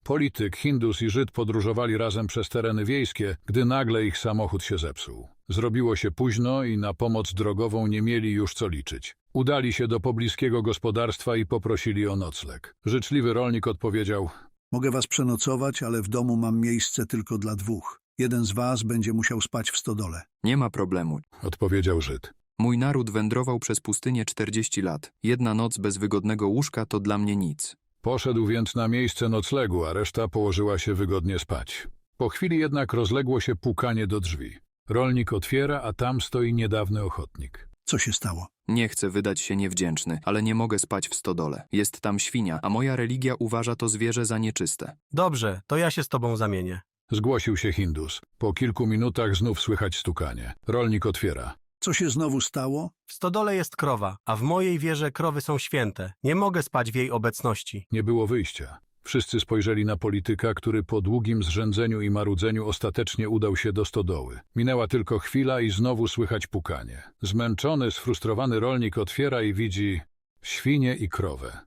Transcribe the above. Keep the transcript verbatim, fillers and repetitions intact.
Polityk, Hindus i Żyd podróżowali razem przez tereny wiejskie, gdy nagle ich samochód się zepsuł. Zrobiło się późno i na pomoc drogową nie mieli już co liczyć. Udali się do pobliskiego gospodarstwa i poprosili o nocleg. Życzliwy rolnik odpowiedział: Mogę was przenocować, ale w domu mam miejsce tylko dla dwóch. Jeden z was będzie musiał spać w stodole. Nie ma problemu. odpowiedział Żyd. Mój naród wędrował przez pustynię czterdzieści lat. Jedna noc bez wygodnego łóżka to dla mnie nic. Poszedł więc na miejsce noclegu, a reszta położyła się wygodnie spać. Po chwili jednak rozległo się pukanie do drzwi. Rolnik otwiera, a tam stoi niedawny ochotnik. Co się stało? Nie chcę wydać się niewdzięczny, ale nie mogę spać w stodole. Jest tam świnia, a moja religia uważa to zwierzę za nieczyste. Dobrze, to ja się z tobą zamienię. Zgłosił się Hindus. Po kilku minutach znów słychać stukanie. Rolnik otwiera. Co się znowu stało? W stodole jest krowa, a w mojej wierze krowy są święte. Nie mogę spać w jej obecności. Nie było wyjścia. Wszyscy spojrzeli na polityka, który po długim zrzędzeniu i marudzeniu ostatecznie udał się do stodoły. Minęła tylko chwila i znowu słychać pukanie. Zmęczony, sfrustrowany rolnik otwiera i widzi świnię i krowę.